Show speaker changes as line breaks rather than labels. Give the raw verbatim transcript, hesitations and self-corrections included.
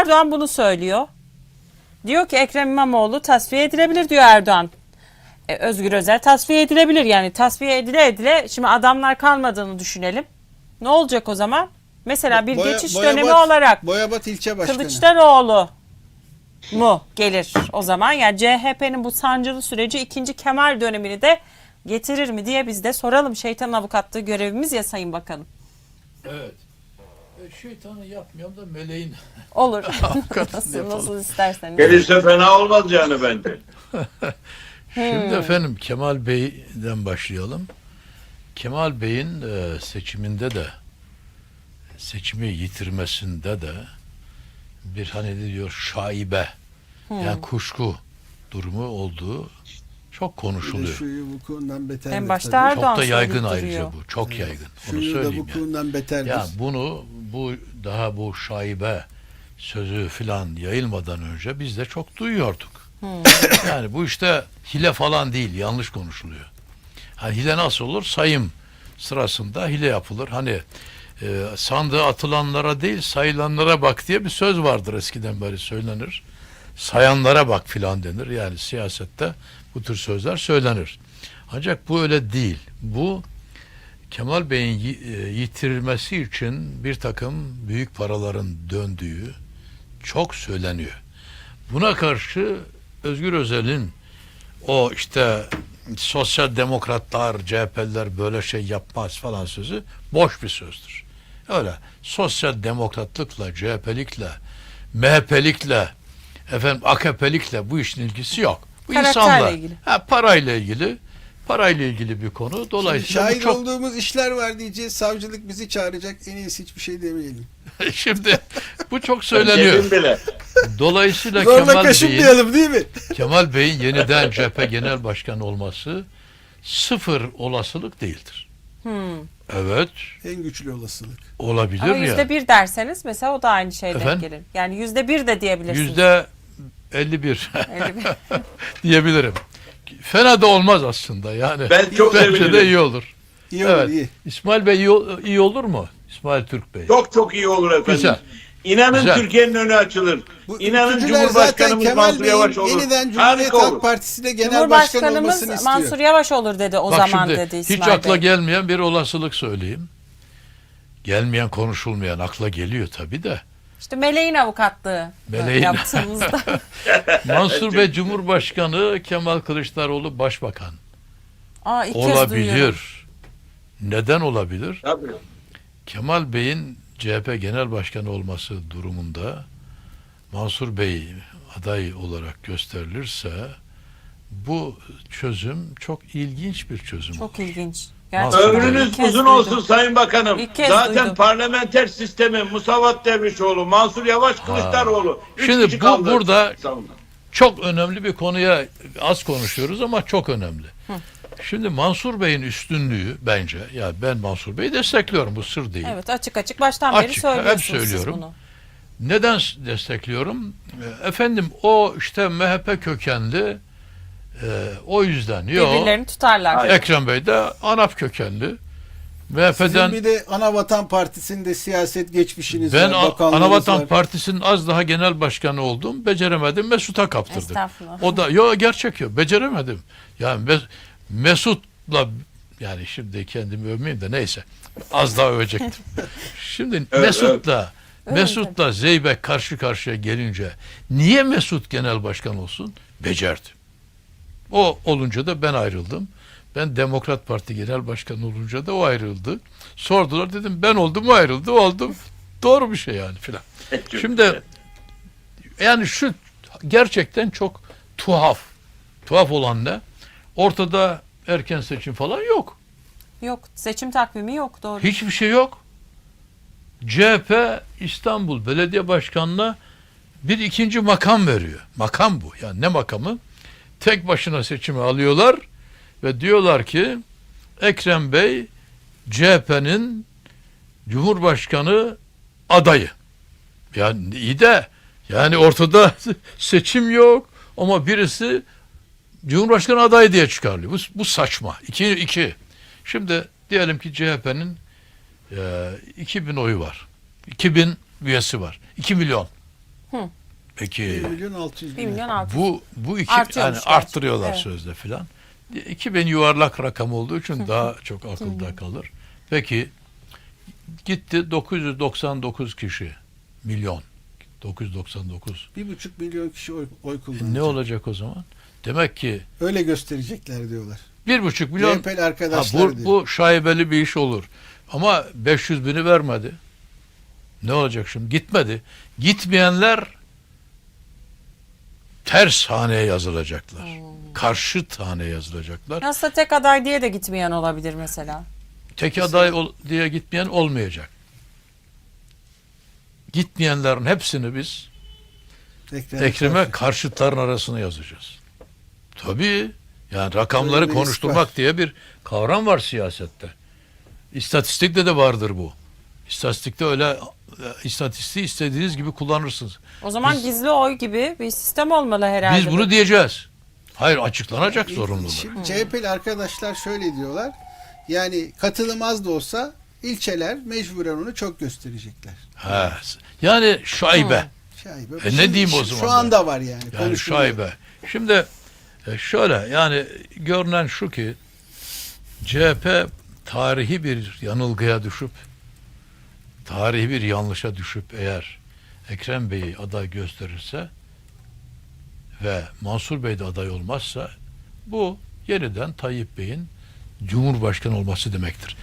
Erdoğan bunu söylüyor. Diyor ki Ekrem İmamoğlu tasfiye edilebilir diyor Erdoğan. E, Özgür Özel tasfiye edilebilir, yani tasfiye edile edile şimdi adamlar kalmadığını düşünelim. Ne olacak o zaman? Mesela bir
Boya,
geçiş
Boyabat,
dönemi olarak
Boyabat ilçe başkanı.
Kılıçdaroğlu mu gelir o zaman? Yani C H P'nin bu sancılı süreci ikinci Kemal dönemini de getirir mi diye biz de soralım. Şeytan avukatlığı görevimiz ya Sayın Bakanım.
Evet. E, şeytanı yapmıyorum da meleğin.
Olur.
Avukatını
nasıl,
yapalım.
nasıl isterseniz.
Gelirse fena olmaz yani bence.
Şimdi efendim Kemal Bey'den başlayalım. Kemal Bey'in e, seçiminde de seçimi yitirmesinde de bir hani ne diyor şaibe yani kuşku durumu olduğu çok konuşuluyor.
Şuyu vukuundan beter.
En başta Erdoğan
Çok da yaygın
söyleyip
ayrıca
duruyor.
bu. Çok yaygın. Onu
Şuyu da
söyleyeyim yani.
vukuundan beterdir.
Ya bunu bu daha bu şaibe sözü filan yayılmadan önce biz de çok duyuyorduk. Yani bu işte hile falan değil, yanlış konuşuluyor. Hani hile nasıl olur? Sayım sırasında hile yapılır. Hani e, sandığa atılanlara değil sayılanlara bak diye bir söz vardır, eskiden beri söylenir. Sayanlara bak filan denir. Yani siyasette bu tür sözler söylenir. Ancak bu öyle değil. Bu Kemal Bey'in yitirilmesi için bir takım büyük paraların döndüğü çok söyleniyor. Buna karşı Özgür Özel'in o işte sosyal demokratlar, C H P'liler böyle şey yapmaz falan sözü boş bir sözdür. Öyle sosyal demokratlıkla, C H P'likle, M H P'likle, efendim A K P'likle bu işin ilgisi yok. Bu
Karakterle
insanlar,
ilgili.
ha, parayla ilgili, parayla ilgili bir konu. Dolayısıyla bu
Şahit
çok...
olduğumuz işler var diyeceğiz. Savcılık bizi çağıracak. En iyisi hiçbir şey demeyelim.
Şimdi bu çok söyleniyor.
Dedim bile.
Dolayısıyla
Zorla
Kemal Bey'in
kaşınmayalım değil mi?
Kemal Bey'in yeniden C H P Genel Başkanı olması sıfır olasılık değildir.
Hmm.
Evet,
En güçlü olasılık.
olabilir
Ama
ya.
yüzde bir derseniz mesela o da aynı şeyden
Efendim?
gelir. Yani yüzde bir de diyebilirsiniz.
Yüzde elli bir
elli bir.
diyebilirim. Fena da olmaz aslında yani.
Ben çok
Bence de
sevinirim.
iyi olur.
İyi olur
Evet.
iyi.
İsmail Bey iyi, iyi olur mu? İsmail Türk Bey.
Çok çok iyi olur efendim.
Güzel.
İnanın
Güzel.
Türkiye'nin önü açılır.
Bu
İnanın
ülkücüler zaten
Cumhurbaşkanımız
Kemal
Mansur Yavaş
Bey'in
olur.
yeniden Cumhuriyet
Harika
Halk
olur.
Partisi'ne genel başkan olmasını
Cumhurbaşkanımız
istiyor.
Mansur Yavaş olur dedi o
Bak
zaman
şimdi
dedi
hiç
İsmail
akla
Bey.
gelmeyen bir olasılık söyleyeyim. Gelmeyen, konuşulmayan akla geliyor tabii de.
İşte meleğin avukatlığı
Meleğin.
yaptığımızda.
Mansur Bey Cumhurbaşkanı, Kemal Kılıçdaroğlu Başbakan.
Aa, ilk kez duyuyorum.
Olabilir. Neden olabilir?
Tabii.
Kemal Bey'in C H P Genel Başkanı olması durumunda Mansur Bey aday olarak gösterilirse bu çözüm çok ilginç bir çözüm
Çok
olur.
ilginç.
Mansur
Gerçekten ilk
Ömrünüz
kez
uzun
duydum.
olsun Sayın Bakanım.
İlk kez
Zaten
duydum.
parlamenter sistemi Musavat Dervişoğlu, Mansur Yavaş, Kılıçdaroğlu. Üç
Şimdi
kişi
bu
kaldı.
burada-
Savunma.
Çok önemli bir konuya az konuşuyoruz ama çok önemli. Şimdi Mansur Bey'in üstünlüğü bence, ya ben Mansur Bey'i destekliyorum, bu sır değil.
Evet, açık açık baştan beri
Açık, hep
söylüyorsunuz
söylüyorum.
siz bunu.
Neden destekliyorum? E, Efendim o işte M H P kökenli, e, o yüzden. Yok.
Birbirlerini tutarlar.
Ekrem Bey de ANAP kökenli. M H P'den
Sizin bir de Anavatan Partisi'nde siyaset geçmişiniz
ben
var.
A-
bakanlığınız
Anavatan
var.
Partisi'nin az daha genel başkanı oldum. Beceremedim. Mesut'a kaptırdım.
Estağfurullah.
O da yok, gerçek yok. Beceremedim. Yani Mes- Mesut'la, yani şimdi kendimi övmeyeyim de neyse. Az daha övecektim. Şimdi
Evet,
Mesut'la
evet.
Mesut'la Zeybek karşı karşıya gelince niye Mesut genel başkan olsun? Becerdi. O olunca da ben ayrıldım. Ben Demokrat Parti Genel Başkanı olunca da o ayrıldı. Sordular, dedim ben oldum, o ayrıldı, oldum. Doğru bir şey yani filan. Şimdi yani şu gerçekten çok tuhaf. Tuhaf olan ne? Ortada erken seçim falan yok.
Yok, seçim takvimi yok, doğru.
Hiçbir şey yok. C H P İstanbul Belediye Başkanı'na bir ikinci makam veriyor. Makam bu. Yani ne makamı? Tek başına seçimi alıyorlar ve diyorlar ki Ekrem Bey C H P'nin Cumhurbaşkanı adayı. Yani iyi de yani ortada seçim yok ama birisi Cumhurbaşkanı adayı diye çıkarılıyor. Bu, bu saçma. İki, iki. Şimdi diyelim ki C H P'nin e, iki bin oyu var. iki bin üyesi var. iki milyon. Peki
bir milyon altı yüz
bir
bin.
milyon altı.
bu bu iki
Artıyormuş
yani
gerçi.
arttırıyorlar
Evet.
sözde filan. iki bin yuvarlak rakam olduğu için daha çok akılda kalır. Peki gitti dokuz yüz doksan dokuz kişi milyon dokuz yüz doksan dokuz.
Bir buçuk milyon kişi oy, oy kullanacak.
Ne olacak o zaman? Demek ki
Öyle gösterecekler diyorlar.
bir buçuk milyon.
C H P'li
Ha,
arkadaşlar
bu,
diyor.
bu şaibeli bir iş olur. Ama beş yüz bini vermedi. Ne olacak şimdi? Gitmedi. Gitmeyenler ters haneye yazılacaklar. Karşıt haneye yazılacaklar.
Nasıl tek aday diye de gitmeyen olabilir mesela.
Tek aday ol- diye gitmeyen olmayacak. Gitmeyenlerin hepsini biz
Ekrem
Ekrem'e
Karşı.
karşıtların arasına yazacağız. Tabii. Yani rakamları
Öyle bir risk
konuşturmak
var.
diye bir kavram var siyasette. İstatistikte de vardır bu. İstatistikte öyle e, istatistiği istediğiniz gibi kullanırsınız.
O zaman
Biz-
gizli oy gibi bir sistem olmalı herhalde.
Biz bunu diyeceğiz. Hayır, açıklanacak zorunluluğu.
Şimdi C H P'li arkadaşlar şöyle diyorlar. Yani katılım az da olsa ilçeler mecburen onu çok gösterecekler.
Ha. Yani şaibe.
Şaibe.
E ne diyeyim o
Şu
zaman
anda var yani.
Yani
konuşuluyor.
şaibe. Şimdi e, şöyle yani görünen şu ki C H P tarihi bir yanılgıya düşüp tarihi bir yanlışa düşüp eğer Ekrem Bey'i aday gösterirse ve Mansur Bey de aday olmazsa bu yeniden Tayyip Bey'in Cumhurbaşkanı olması demektir.